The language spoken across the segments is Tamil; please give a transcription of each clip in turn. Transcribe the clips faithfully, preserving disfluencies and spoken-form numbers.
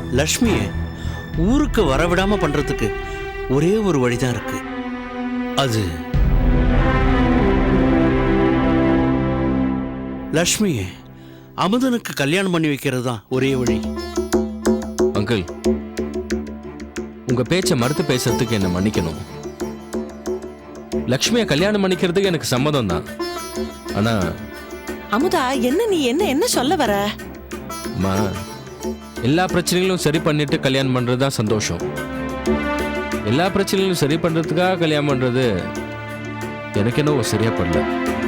லக்ஷ்மியை ஊருக்கு வரவிடாம பண்றதுக்கு ஒரே ஒரு வழிதான் இருக்கு. அது லக்ஷ்மியை அமுதனுக்கு கல்யாணம் பண்ணி வைக்கிறது தான் ஒரே வழி. அங்கிள், உங்க பேச்சை மறுத்து பேசுறதுக்கு என்ன மன்னிக்கணும். லக்ஷ்மியை கல்யாணம் பண்ணிக்கிறதுக்கு எனக்கு சம்மதம் தான். ஆனா அமுதா, என்ன நீ என்ன என்ன சொல்ல வர? அம்மா, எல்லா பிரச்சனைகளும் சரி பண்ணிட்டு கல்யாணம் பண்றது தான் சந்தோஷம். எல்லா பிரச்சனைகளும் சரி பண்றதுக்காக கல்யாணம் பண்றது எனக்கு என்னவோ சரியா படல.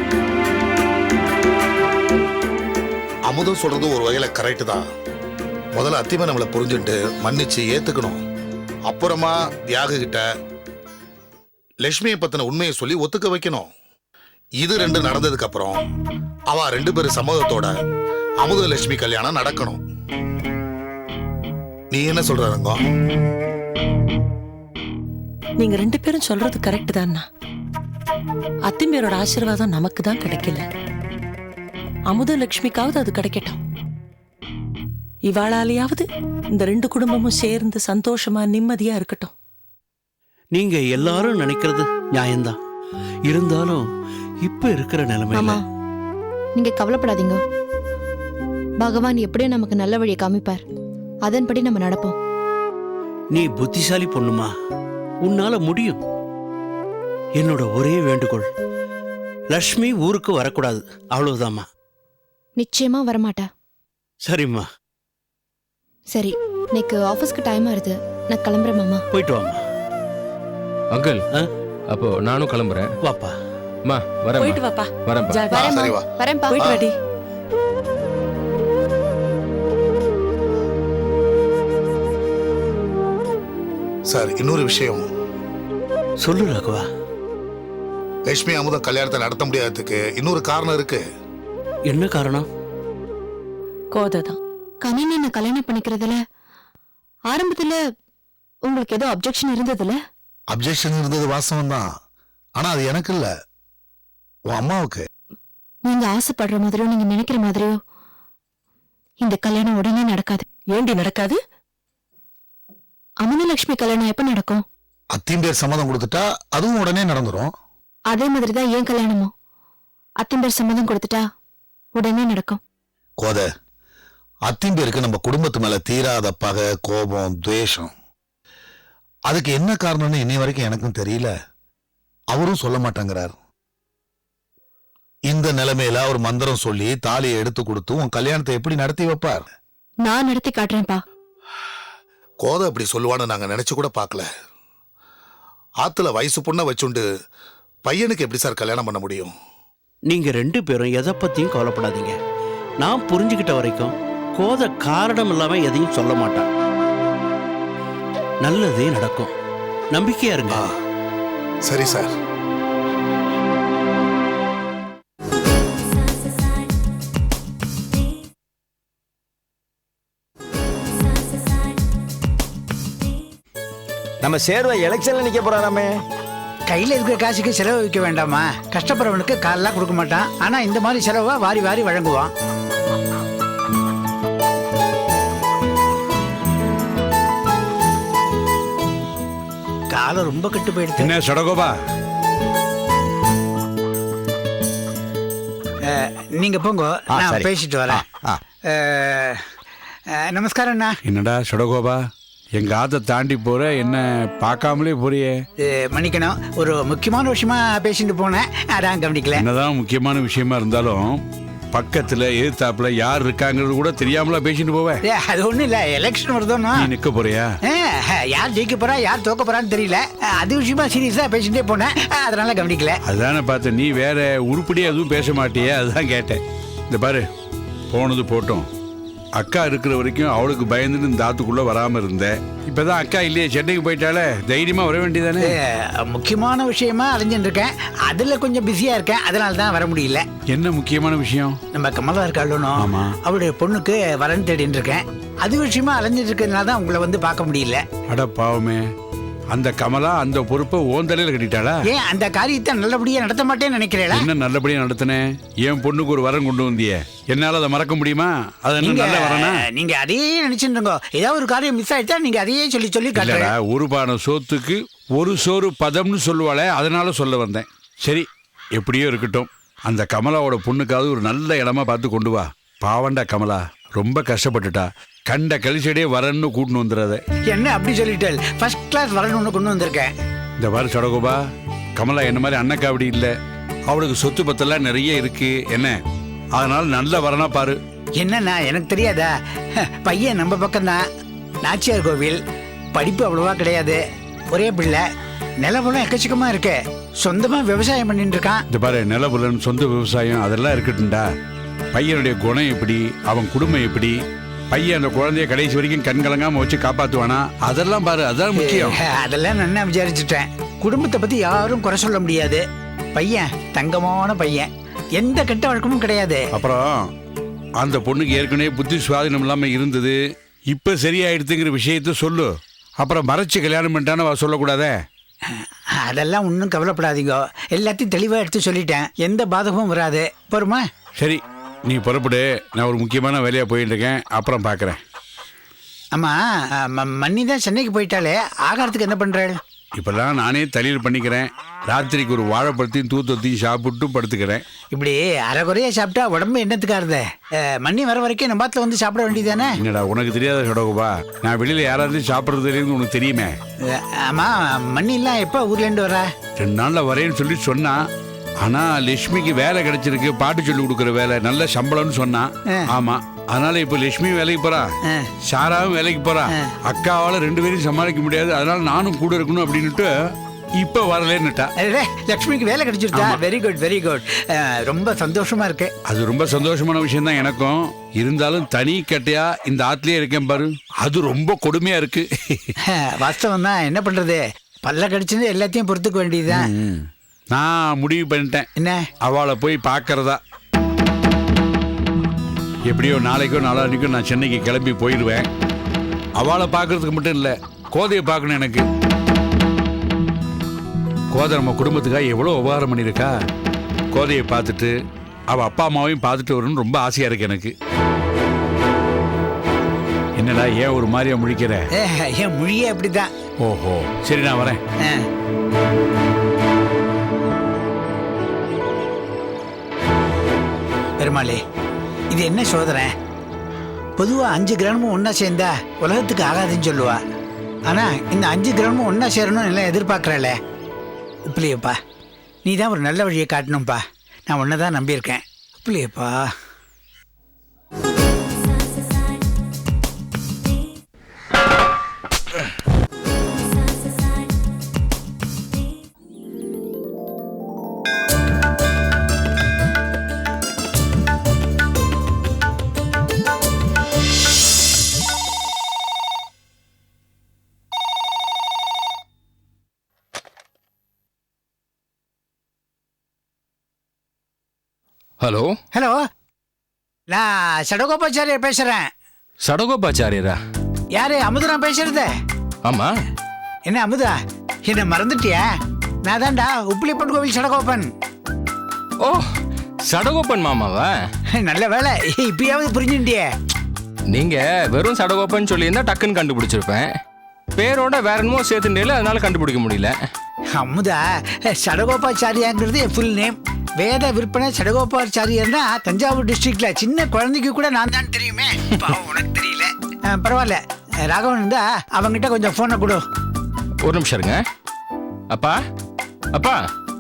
அமுதம் சொல்றது ஒரு வகையில கரெக்ட் தான். முதல்ல அத்திமா நம்மளை புரிஞ்சுட்டு மன்னிச்சு ஏத்துக்கணும். அப்புறமா தியாக கிட்ட லட்சுமியை பத்தின உண்மையை சொல்லி ஒத்துக்க வைக்கணும். இது ரெண்டு நடந்ததுக்கு அப்புறம் அவ ரெண்டு பேரும் சம்மதத்தோட அமுத லட்சுமி கல்யாணம் நடக்கணும். நீ என்ன சொல்ற ரங்கம்? நீங்க ரெண்டு பேரும் சொல்றது கரெக்ட் தான்னா. அத்திம்பேரோட ஆசீர்வாதம் நமக்கு தான் கிடைக்கல. அமுத லட்சுமிக்காவது அது கிடைக்கட்டும். இவாளாலேயாவது இந்த ரெண்டு குடும்பமும் சேர்ந்து சந்தோஷமா நிம்மதியா இருக்கட்டும். நீங்க எல்லாரும் நினைக்கிறது நியாயம்தான். இருந்தாலும் இப்ப இருக்கிற நிலைமையில நீங்க கவலைப்படாதீங்க. பகவான் எப்படியும் நமக்கு நல்ல வழியை காமிப்பார். அதன்படி நம்ம நடப்போம். நீ புத்திசாலி பொண்ணுமா, உன்னால முடியும். என்னோட ஒரே வேண்டுகோள், லக்ஷ்மி ஊருக்கு வரக்கூடாது, அவ்வளவுதாம்மா. நிச்சயமா வரமாட்டா. சரிம்மா. சரி, இன்னைக்கு ஆபீஸ்க்கு டைம் ஆகுது, நான் கிளம்புறேன் மாமா. போயிட்டு வாமா. அங்கிள், அப்போ நானும் கிளம்புறேன். வாப்பா. அம்மா, வரேன். போயிட்டு வாப்பா. வரேன். வரேன்பா. போயிட்டு வாடி. சார், இன்னொரு விஷயம். சொல்லு ராகவா. லட்சுமி அமுதம் கல்யாணத்தை நடத்த முடியாததுக்கு இன்னொரு காரணம் இருக்கு. என்ன காரணம்? கோதைதான். கனின்னு என்ன கல்யாணம் பண்ணிக்கிறதுல ஆரம்பத்துல உங்களுக்கு ஏதோ அப்செக்ஷன் இருந்ததுல? அப்செக்ஷன் இருந்தது வாஸ்தவம் தான். ஆனா அது எனக்கு இல்ல, உன் அம்மாவுக்கு. நீங்க ஆசைப்படுற மாதிரியோ நீங்க நினைக்கிற மாதிரியோ இந்த கல்யாணம் உடனே நடக்காது. ஏண்டி நடக்காது? அமுதலட்சுமி கல்யாணம் எப்ப நடக்கும்? அத்திம்பேர் சம்மதம் கொடுத்துட்டா அதுவும் உடனே நடந்துரும். அதே மாதிரிதான் ஏன் கல்யாணமும் அத்திம்பேர் சம்மதம் கொடுத்துட்டா உடனே நடக்கும். கோத, அத்திம்பேருக்கு நம்ம குடும்பத்து மேல தீராத பகை, கோபம், துவேஷம். அதுக்கு என்ன காரணம்னு இன்னை வரைக்கும் எனக்கும் தெரியல. அவரும் சொல்ல மாட்டேங்கிறார். இந்த நிலைமையில அவர் மந்திரம் சொல்லி தாலியை எடுத்து கொடுத்து உன் கல்யாணத்தை எப்படி நடத்தி வைப்பார்? நான் நடத்தி காட்டுறேன்ப்பா. கோதை அப்படி சொல்லுவான்னு நாங்க நினைச்சு கூட பார்க்கல. ஆத்துல வயசு பொண்ண வச்சுண்டு பையனுக்கு எப்படி சார் கல்யாணம் பண்ண முடியும்? நீங்க ரெண்டு பேரும் எதை பத்தியும் கவலைப்படாதீங்க. நான் புரிஞ்சுக்கிட்ட வரைக்கும் கோதை காரணம் இல்லாம எதையும் சொல்ல மாட்டான். நல்லதே நடக்கும், நம்பிக்கையா இருங்க. சரி சார். நம்ம சேர்வ எலெக்ஷன்ல நிக்க போறாராமே. கையில் இருக்கிற காசுக்கு செலவு வைக்க வேண்டாமா? கஷ்டப்படுறவனுக்கு காலெல்லாம் கொடுக்க மாட்டான். ஆனா இந்த மாதிரி செலவா வாரி வாரி வழங்குவான். காலம் ரொம்ப கெட்டு போயிடுச்சு. என்ன சடகோபா, நீங்க போங்க, நான் பேசிட்டு வரேன். நமஸ்காரம் அண்ணா. என்னடா சடகோபா, எங்க ஆத்த தாண்டி போற, என்ன பார்க்காமலே போறியே? மன்னிக்கணும், ஒரு முக்கியமான விஷயமா பேசிட்டு போனேன், அதான் கவனிக்கல. என்னதான் முக்கியமான விஷயமா இருந்தாலும் பக்கத்துல எதிர்த்தாப்புல யார் இருக்காங்கிறது கூட தெரியாமலா பேசிட்டு போவேன்? அது ஒண்ணும் இல்ல, எலெக்ஷன் வருதோன்னு. நீ நிக்க போறியா? யார் ஜெயிக்க போறா யார் தோக்க போறான்னு தெரியல, அது விஷயமா சீரியஸா பேசிட்டே போனேன், அதனால கவனிக்கல. அதுதானே பார்த்தேன், நீ வேற உருப்படியா எதுவும் பேச மாட்டியே, அதுதான் கேட்டேன். இந்த பாரு, போனது போட்டோம். அக்கா இருக்கிற வரைக்கும் அவளுக்கு பயந்துட்டு இந்த ஆத்துக்குள்ள வராம இருந்தேன். இப்பதான் அக்கா இல்லையே, சென்னைக்கு போயிட்டாலே, தைரியமா வர வேண்டியதானே? முக்கியமான விஷயமா அலைஞ்சிட்டு இருக்கேன், அதுல கொஞ்சம் பிஸியா இருக்கேன், அதனால தான் வர முடியல. என்ன முக்கியமான விஷயம்? நம்ம கமலா இருக்காளுனோ, அவளுடைய பொண்ணுக்கு வரன் தேடிட்டு இருக்கேன். அது விஷயமா அலைஞ்சிட்டு இருக்கிறதுனால தான் உங்களை வந்து பார்க்க முடியல. அட பாவமே, அந்த கமலா அந்த பொறுப்பை ஓந்தலையில் கட்டிட்டாளா? ஏன் அந்த காரியத்தை நல்லபடியா நடத்த மாட்டேன்னு நினைக்கிறேளா? என்ன நல்லபடியா நடத்தினேன்? என் பொண்ணுக்கு ஒரு வரம் கொண்டு வந்தியே, என்னால அதை மறக்க முடியுமா? அது என்ன நீங்க நல்ல வரனா? நீங்க அதையே நினைச்சுருங்க. ஏதாவது ஒரு காரியம் மிஸ் ஆயிட்டா நீங்க அதையே சொல்லி சொல்லி இல்லடா, காட்டுறா. ஒரு பானை சோத்துக்கு ஒரு சோறு பதம்னு சொல்லுவாளே, அதனால சொல்ல வந்தேன். சரி, எப்படியோ இருக்கட்டும். அந்த கமலாவோட பொண்ணுக்காவது ஒரு நல்ல இடமா பார்த்து கொண்டு வா. பாவண்டா கமலா, ரொம்ப கஷ்டப்பட்டுட்டா. கண்ட கழிச்சடியே வரன்னு கூட்டின்னு வந்துடாத. என்ன அப்படி சொல்லிட்டேன்? ஃபர்ஸ்ட் கிளாஸ் வரணும்னு கொண்டு வந்திருக்கேன். இந்த பாரு சடகோபா, கமலா என்ன மாதிரி அண்ணக்காவடி இல்லை. அவளுக்கு சொத்து பத்தெல்லாம் நிறைய இருக்கு என்ன, அதனால நல்ல வரனா பாரு. என்னன்னா எனக்கு தெரியாதா? பையன் நம்ம பக்கம்தான், நாச்சியார் கோவில், படிப்பு அவ்வளவா கிடையாது, ஒரே பிள்ளை, நிலபுலம் எக்கச்சக்கமா இருக்கு, சொந்தமா விவசாயம் பண்ணிட்டு இருக்கான். இந்த பாரு, நிலபுலன் சொந்த விவசாயம் அதெல்லாம் இருக்கட்டும்டா. பையனுடைய குணம் எப்படி, அவன் குடும்பம் எப்படி, பையன் அந்த குழந்தைய கடைசி வரைக்கும் கண் கலங்காம வச்சு காப்பாத்துவானா, அதெல்லாம் பாரு, அதான் முக்கியம். அதெல்லாம் நான் விசாரிச்சுட்டேன். குடும்பத்தை பத்தி யாரும் குறை சொல்ல முடியாது. பையன் தங்கமான பையன், எந்த கெட்ட வழக்கமும் கிடையாது. அப்புறம் அந்த பொண்ணுக்கு ஏற்கனவே புத்தி சுவாதீனம் இல்லாம இருந்தது, இப்ப சரியாயிடுதுங்கிற விஷயத்த சொல்லு. அப்புறம் மறைச்சு கல்யாணம் பண்ணிட்டான்னு அவ சொல்லக்கூடாதே. அதெல்லாம் ஒன்றும் கவலைப்படாதீங்க, எல்லாத்தையும் தெளிவாக எடுத்து சொல்லிட்டேன், எந்த பாதகமும் வராது. போருமா? சரி, நீ புறப்படு, நான் ஒரு முக்கியமான வேலையா போயிட்டு இருக்கேன், அப்புறம் பார்க்குறேன். ஆமா, மன்னி தான் சென்னைக்கு போயிட்டாலே, ஆகாரத்துக்கு என்ன பண்றாள்? இப்பெல்லாம் நானே தலையில் பண்ணிக்கிறேன். ராத்திரிக்கு ஒரு வாழைப்பழத்தையும் தூத்தத்தையும் சாப்பிட்டு படுத்துக்கிறேன். இப்படி அரைகுறையா சாப்பிட்டா உடம்பு என்னத்துக்காருது? மன்னி வர வரைக்கும் நம்ம பாத்துல வந்து சாப்பிட வேண்டியதானே? என்னடா உனக்கு தெரியாத சடகோபா, நான் வெளியில யாராவது சாப்பிட்றது தெரியுது உனக்கு தெரியுமே. ஆமா, மன்னி எல்லாம் எப்ப ஊர்ல இருந்து வரா? ரெண்டு நாள்ல வரேன்னு சொல்லி சொன்னா. ஆனா லட்சுமிக்கு வேலை கிடைச்சிருக்கு, பாட்டு சொல்லி கொடுக்குற வேலை, நல்ல சம்பளம்னு சொன்னான். ஆமா, அதனால இப்ப லட்சுமி வேலைக்கு போறா, சாராவும் வேலைக்கு போறா. அக்காவால ரெண்டு பேரும் சமாளிக்க முடியாது, அதனால நானும் கூட இருக்கணும் அப்படின்னுட்டு இப்ப வரலன்னுட்டா. லட்சுமிக்கு வேலை கிடைச்சிருச்சா? வெரி குட் வெரி குட், ரொம்ப சந்தோஷமா இருக்கு. அது ரொம்ப சந்தோஷமான விஷயம் தான் எனக்கும். இருந்தாலும் தனி கட்டையா இந்த ஆத்துலயே இருக்கேன் பாரு, அது ரொம்ப கொடுமையா இருக்கு. வாஸ்தவம் தான், என்ன பண்றது, பல்ல கடிச்சுன்னு எல்லாத்தையும் பொறுத்துக்க வேண்டியதுதான். நான் முடிவு பண்ணிட்டேன், என்ன அவளை போய் பார்க்கறதா. எப்படியோ நாளைக்கோ நாளானிக்கோ நான் சென்னைக்கு கிளம்பி போயிடுவேன். அவளை பார்க்கறதுக்கு மட்டும் இல்லை, கோதையை பார்க்கணும் எனக்கு. கோதை நம்ம குடும்பத்துக்காக எவ்வளோ உபகாரம் பண்ணியிருக்கா. கோதையை பார்த்துட்டு அவள் அப்பா அம்மாவையும் பார்த்துட்டு வரணும்னு ரொம்ப ஆசையாக இருக்கு எனக்கு. என்னடா ஏன் ஒரு மாதிரியா முழிக்கிற? என் மொழியே அப்படிதான். ஓஹோ, சரி நான் வரேன். பெருமாளே, இது என்ன சோதனை? பொதுவா அஞ்சு கிராமமும் ஒன்னா சேர்ந்தா உலகத்துக்கு ஆகாதுன்னு சொல்லுவா. ஆனா இந்த அஞ்சு கிராமமும் ஒன்னா சேரணும்னு எல்லாம் எதிர்பார்க்கறல. உப்பிலியப்பா, நீ தான் ஒரு நல்ல வழியை காட்டணும்ப்பா. நான் உன்னதான் நம்பியிருக்கேன். உப்பிலியப்பா. ஹலோ ஹலோ, நான் சடகோபாச்சாரியர் பேசுறேன். சடகோபாச்சாரியரா? யாரு? அமுதா பேசுறது? ஆமா. என்ன அமுதா, என்ன மறந்துட்டியா? நான் தான்டா உப்பிலிப்பன் கோவில் சடகோபன். ஓ, சடகோபன் மாமாவா? நல்ல வேலை, இப்பயாவது புரிஞ்சுட்டியே. நீங்க வெறும் சடகோபன் சொல்லியிருந்தா டக்குன்னு கண்டுபிடிச்சிருப்பேன். பேரோட வேற என்னமோ சேர்த்துட்டேல, அதனால கண்டுபிடிக்க முடியல. அமுதா, சடகோபாச்சாரியாங்கிறது என் ஃபுல் நேம். வேத விற்பனை சடகோபாச்சாரியர்னா தஞ்சாவூர் டிஸ்ட்ரிக்ட்ல சின்ன குழந்தைக்கு கூட நான் தான் தெரியுமே. உனக்கு தெரியல, பரவாயில்ல. ராகவன் இருந்தா அவங்கிட்ட கொஞ்சம் போனை கொடு. ஒரு நிமிஷம் இருங்க. அப்பா, அப்பா.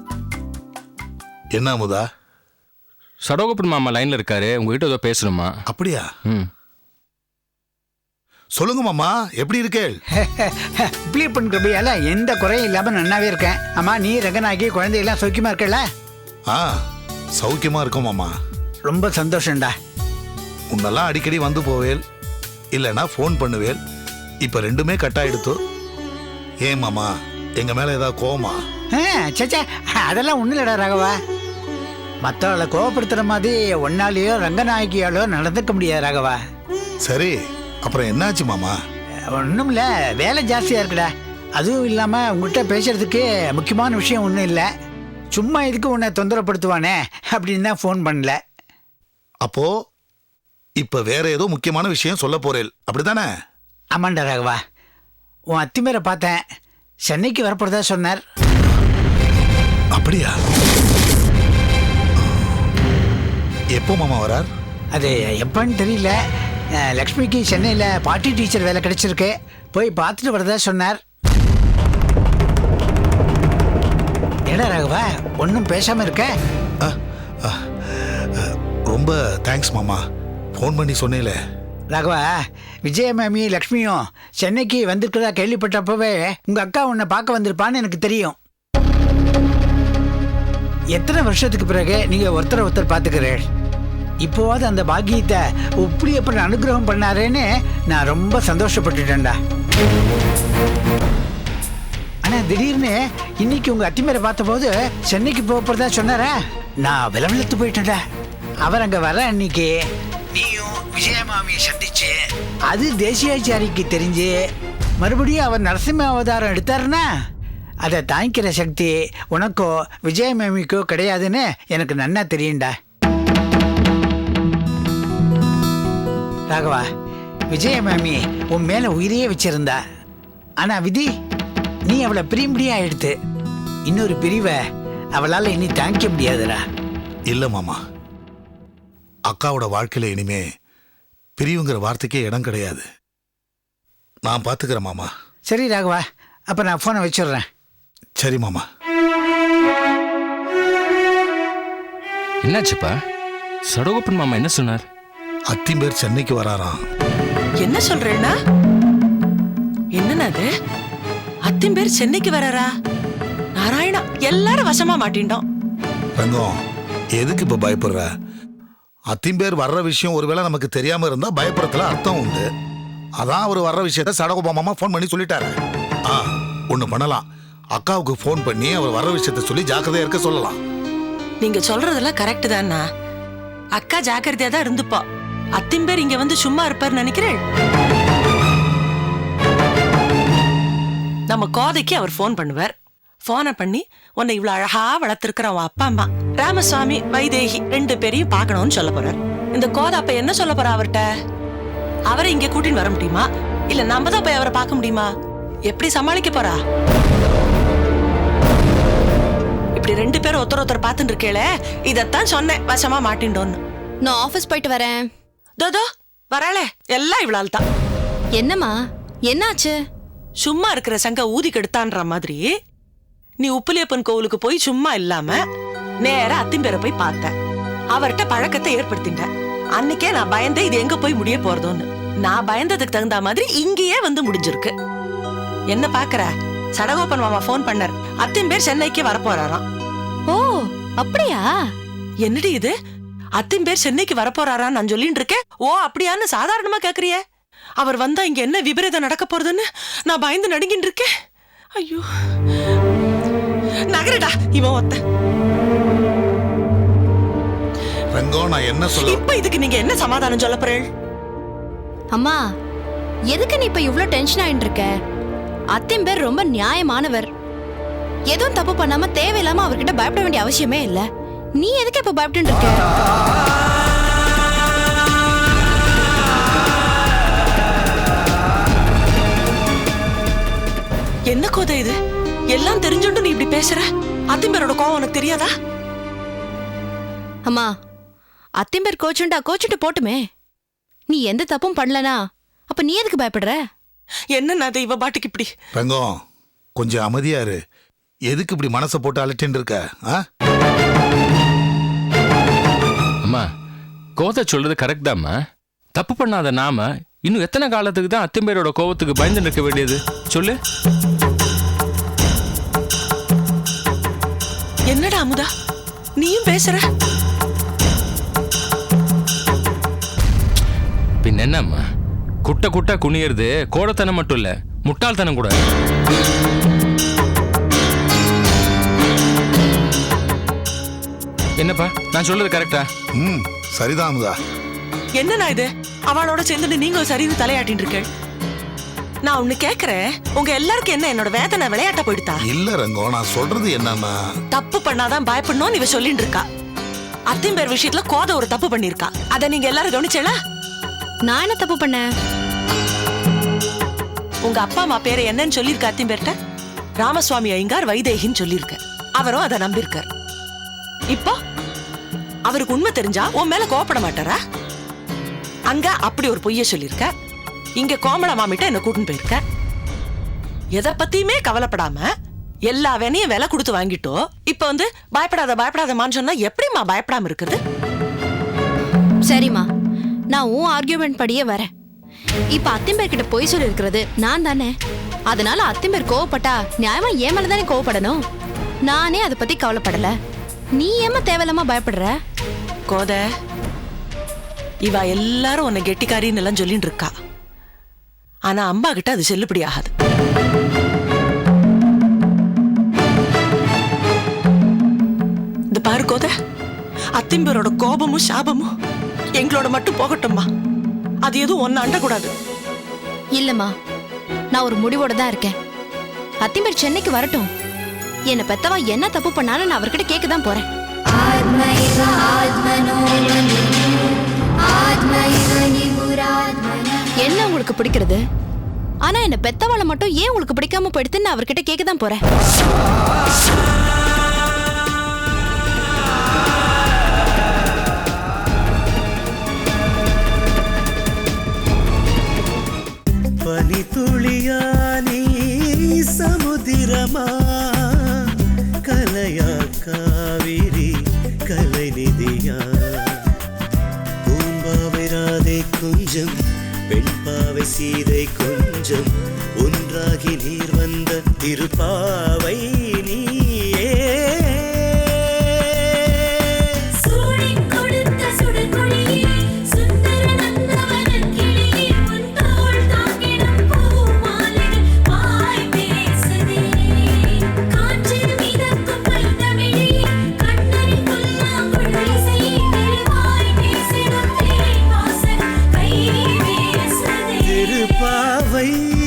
என்ன அமுதா? சடகோபன் மாமா லைன்ல இருக்காரு, உங்ககிட்ட ஏதோ பேசணுமா? அப்படியா? ம், சொல்லுங்க மாமா, எப்படி இருக்கே? உப்பிலிப்பன் கிருபையால எந்த குறையும் இல்லாம நன்னாவே இருக்கேன். ஆமா, நீ ரங்கநாயகி குழந்தையெல்லாம் சௌக்கியமா இருக்கல? ஆ, சௌக்கியமா இருக்கும் மாமா. ரொம்ப சந்தோஷம்டா. உன்னெல்லாம் அடிக்கடி வந்து போவேல், இல்லைன்னா ஃபோன் பண்ணுவேல். இப்ப ரெண்டுமே கட் ஆயிடுத்து. ஏன் மாமா, எங்க மேல ஏதாவது கோவமா? சேச்சா, அதெல்லாம் ஒண்ணு இல்லடா ராகவா. மற்றவளை கோவப்படுத்துற மாதிரி ஒன்னாலேயோ ரங்கநாயகியாலோ நடந்துக்க முடியாது ராகவா. சரி, அப்புறம் என்னாச்சு மாமா? ஒண்ணும் இல்ல, வேலை ஜாஸ்தியா இருக்குடா, அதுவும் இல்லாமல் உங்கள்கிட்ட பேசுறதுக்கு முக்கியமான விஷயம் ஒன்றும் இல்லை. சும்மா இதுக்கு உன்னை தொந்தரப்படுத்துவானே அப்படின்னு தான் ஃபோன் பண்ணல. அப்போ இப்ப வேற ஏதோ முக்கியமான விஷயம் சொல்ல போறேன் அப்படிதானே? ஆமாண்டா ராகவா, உன் அத்திமேரை பார்த்தேன். சென்னைக்கு வரப்படுறதா சொன்னார். அப்படியா? எப்போ மாமா வரார்? அது எப்பன்னு தெரியல. அஹ், லக்ஷ்மிக்கு சென்னையில் பார்ட்டி டீச்சர் வேலை கிடைச்சிருக்கு. போய் பார்த்துட்டு வரதா சொன்னார். ஏடா ராகவா, ஒன்றும் பேசாமல் இருக்க? அ, அ, அ, ரொம்ப தேங்க்ஸ் மாமா, ஃபோன் பண்ணி சொன்னேல. ராகவா, விஜய மாமி லக்ஷ்மியும் சென்னைக்கு வந்திருக்கிறதா கேள்விப்பட்டப்பவே உங்கள் அக்கா உன்னை பார்க்க வந்திருப்பான்னு எனக்கு தெரியும். எத்தனை வருஷத்துக்கு பிறகு நீங்கள் ஒருத்தரை ஒருத்தர் பார்த்துக்கிறேன். இப்போவாது அந்த பாக்கியத்தை இப்படி எப்படி அனுகிரகம் பண்ணாரேன்னு நான் ரொம்ப சந்தோஷப்பட்டுட்டேன்டா. ஆனால் திடீர்னு இன்னைக்கு உங்கள் அத்திமேரை பார்த்தபோது சென்னைக்கு போகிறதா சொன்னாரா? நான் விலவிலத்து போயிட்டேன்டா. அவர் அங்கே வர அன்னைக்கு நீயும் விஜயமாமியை சந்திச்சு அது தேசியாச்சாரிக்கு தெரிஞ்சு மறுபடியும் அவர் நரசிம்ம அவதாரம் எடுத்தாருன்னா அதை தாங்கிக்கிற சக்தி உனக்கோ விஜயமாமிக்கோ கிடையாதுன்னு எனக்கு நன்னா தெரியும்டா. ராகவா, விஜயமாமி உன் மேல உயிரையே வச்சிருந்தா. ஆனா விதி, நீ அவளை பிரியும்படியா எடுத்து இன்னொரு பிரிவை அவளால் இனி தாங்கிக்க முடியாதுடா. இல்ல மாமா, அக்காவோட வாழ்க்கையில இனிமே பிரிவுங்கிற வார்த்தைக்கே இடம் கிடையாது. நான் பாத்துக்கிறேன் மாமா. சரி ராகவா, அப்ப நான் போனை வச்சிடுறேன். சரி மாமா. என்னாச்சுப்பா? சடகோப்பன் மாமா என்ன சொன்னார்? அத்திம்பேர் சென்னைக்கு வராராம். என்ன சொல்றேன்னா? என்னன்னா அது? அத்திம்பேர் சென்னைக்கு வராரா? நாராயணா, எல்லாரும் வசமா மாட்டிண்டோம். ரங்கம், எதுக்கு இப்ப பயப்படுற? அத்திம்பேர் வர்ற விஷயம் ஒருவேளை நமக்கு தெரியாம இருந்தா பயப்படுறதுல அர்த்தம் உண்டு. அதான் அவர் வர்ற விஷயத்த சடகோபா மாமா ஃபோன் பண்ணி சொல்லிட்டாரு. ஆ, ஒண்ணு பண்ணலாம். அக்காவுக்கு ஃபோன் பண்ணி அவர் வர்ற விஷயத்த சொல்லி ஜாக்கிரதையா இருக்க சொல்லலாம். நீங்க சொல்றதெல்லாம் கரெக்ட் தானா? அக்கா ஜாக்கிரதையா தான் இருந்துப்பா. அத்திம்பேர் இங்க வந்து சும்மா இருப்பார் நினைக்கிறேன். நம்ம கோதைக்கு அவர் ஃபோன் பண்ணுவார். போனை பண்ணி உன்னை இவ்வளவு அழகா வளர்த்திருக்கிற அவன் அப்பா அம்மா ராமசுவாமி வைதேகி ரெண்டு பேரையும் பார்க்கணும்னு சொல்ல போறார். இந்த கோதை அப்ப என்ன சொல்ல போறா அவர்கிட்ட? அவரை இங்க கூட்டின்னு வர முடியுமா? இல்ல நம்ம தான் போய் அவரை பார்க்க முடியுமா? எப்படி சமாளிக்க போறா? இப்படி ரெண்டு பேரும் ஒருத்தர் ஒருத்தர் பார்த்துட்டு இருக்கேளே, இதத்தான் சொன்னேன் வசமா மாட்டிண்டோன்னு. நான் ஆபீஸ் போயிட்டு வரேன். தோதோ வராளே, எல்லாம் இவ்வளவு தான். என்னம்மா, என்னாச்சு? சும்மா இருக்கிற சங்க ஊதி கெடுத்தான்ற மாதிரி நீ உப்புலியப்பன் கோவிலுக்கு போய் சும்மா இல்லாம நேரா அத்திம்பேரை போய் பார்த்த. அவர்கிட்ட பழக்கத்தை ஏற்படுத்திட்ட. அன்னைக்கே நான் பயந்தேன் இது எங்க போய் முடிய போறதோன்னு. நான் பயந்ததுக்கு தகுந்த மாதிரி இங்கேயே வந்து முடிஞ்சிருக்கு. என்ன பாக்குற? சடகோப்பன் மாமா போன் பண்ணார். அத்திம்பேர் சென்னைக்கு வரப்போறாராம். ஓ, அப்படியா? என்னடி இது? அத்திம்பேர் சென்னைக்கு வரப்போறாரான்னு நான் சொல்லிட்டு இருக்கேன். ஓ அப்படியான்னு சாதாரணமா கேக்குறிய? அவர் வந்தா இங்க என்ன விபரீதம் நடக்க போறதுன்னு நான் பயந்து நடுங்கிட்டு இருக்கேன். ஐயோ, நகரடா இவன் ஒத்த. ரங்கம், நான் என்ன சொல்ல? இப்ப இதுக்கு நீங்க என்ன சமாதானம் சொல்ல போறீள்? அம்மா, எதுக்கு நீ இப்ப இவ்ளோ டென்ஷன் ஆயிட்டு இருக்க? அத்திம்பேர் ரொம்ப நியாயமானவர். எதுவும் தப்பு பண்ணாம தேவையில்லாம அவர்கிட்ட பயப்பட வேண்டிய அவசியமே இல்ல. நீ எதுக்கு இப்ப பயப்பட்டு இருக்க? என்ன கோதை இது? எல்லாம் தெரிஞ்சுண்டு நீ இப்படி பேசுற? அத்திம்பேரோட கோவம் உனக்கு தெரியாதா? அம்மா, அத்திம்பேர் கோச்சுண்டா கோச்சுட்டு போட்டுமே. நீ எந்த தப்பும் பண்ணலனா அப்ப நீ எதுக்கு பயப்படுற? என்ன அது இவ பாட்டுக்கு இப்படி? ரங்கம், கொஞ்சம் அமைதியா இரு. எதுக்கு இப்படி மனசை போட்டு அலட்டின்னு இருக்க? ஆ? அம்மா, கோதை சொல்றது கரெக்ட் தாம்மா. தப்பு பண்ணாத நாம இன்னும் எத்தனை காலத்துக்கு தான் அத்திம்பேரோட கோவத்துக்கு பயந்து நிற்க வேண்டியது சொல்லு? என்னடா அமுதா நீயும் பேசுற? பின் என்னம்மா, குட்ட குட்ட குனியறது கோடத்தனம் மட்டும் இல்ல, முட்டாள்தனம் கூட. என்னப்பா, நான் சொல்றது கரெக்டா? ம், சரிதான் அமுதா. என்னண்ணா இது? அவளோட சேர்ந்துட்டு நீங்க சரின்னு தலையாட்டின்னு இருக்க. நான் ஒண்ணு கேக்குறேன், உங்க எல்லாருக்கும் என்ன என்னோட வேதனை விளையாட்ட போயிடுதா? இல்ல ரங்கம், நான் சொல்றது என்னன்னா, தப்பு பண்ணாதான் பயப்படணும் இவ சொல்லிட்டு இருக்கா. அத்திம்பேர் விஷயத்துல கோத ஒரு தப்பு பண்ணிருக்கா. அத நீங்க எல்லாரும் கவனிச்சல? நான் என்ன தப்பு பண்ணேன்? உங்க அப்பா அம்மா பேரை என்னன்னு சொல்லிருக்க அத்திம்பேர்ட்ட? ராமசுவாமி ஐயங்கார் வைதேகின்னு சொல்லிருக்க. அவரும் அதை நம்பியிருக்கார். இப்போ அவருக்கு உண்மை தெரிஞ்சா உன் மேல கோவப்பட மாட்டாரா? அங்க அப்படி ஒரு பொய்ய சொல்லிருக்க, இங்க கோமள மாமிட்ட என்ன கூட்டின்னு போயிருக்க. எதை பத்தியுமே கவலைப்படாம எல்லா வேணையும் விலை கொடுத்து வாங்கிட்டோ, இப்ப வந்து பயப்படாத பயப்படாதமான்னு சொன்னா எப்படிமா பயப்படாம இருக்குது? சரிம்மா, நான் உன் ஆர்கியூமெண்ட் படியே வரேன். இப்ப அத்திம்பேர் கிட்ட பொய் சொல்லி இருக்கிறது நான் தானே. அதனால அத்திம்பேர் கோவப்பட்டா நியாயமா ஏன் மேலதானே கோவப்படணும். நானே அதை பத்தி கவலைப்படல. நீ ஏமா தேவையில்லாம பயப்படுற? கோத, இவ எல்லாரும் உன்னை கெட்டிக்காரின்னு எல்லாம் சொல்லிட்டு இருக்கா. ஆனா அம்பா கிட்ட அது செல்லுபடி ஆகாது. இந்த பாரு கோத, அத்திம்பேரோட கோபமும் சாபமும் எங்களோட மட்டும் போகட்டும்மா. அது எதுவும் ஒன்னு அண்டக்கூடாது. இல்லம்மா, நான் ஒரு முடிவோட தான் இருக்கேன். அத்திம்பேர் சென்னைக்கு வரட்டும். என்ன பெத்தவா என்ன தப்பு பண்ணாலும் நான் அவர்கிட்ட கேட்க தான் போறேன். என்ன உங்களுக்கு பிடிக்கிறது? ஆனா என்ன பெத்தவாளை மட்டும் ஏன் உங்களுக்கு பிடிக்காம போயிடுதுன்னு நான் அவர்கிட்ட கேட்க தான் போறேன். பனி துளியா நீ சமுதிரமா, கலையா காவிரி கலை நிதியா, பூம்பாவை ராதை கொஞ்சம் வெண்பாவை சீதை கொஞ்சம் ஒன்றாகி நீர் வந்த திருப்பாவை நீயே. திருப்பாவை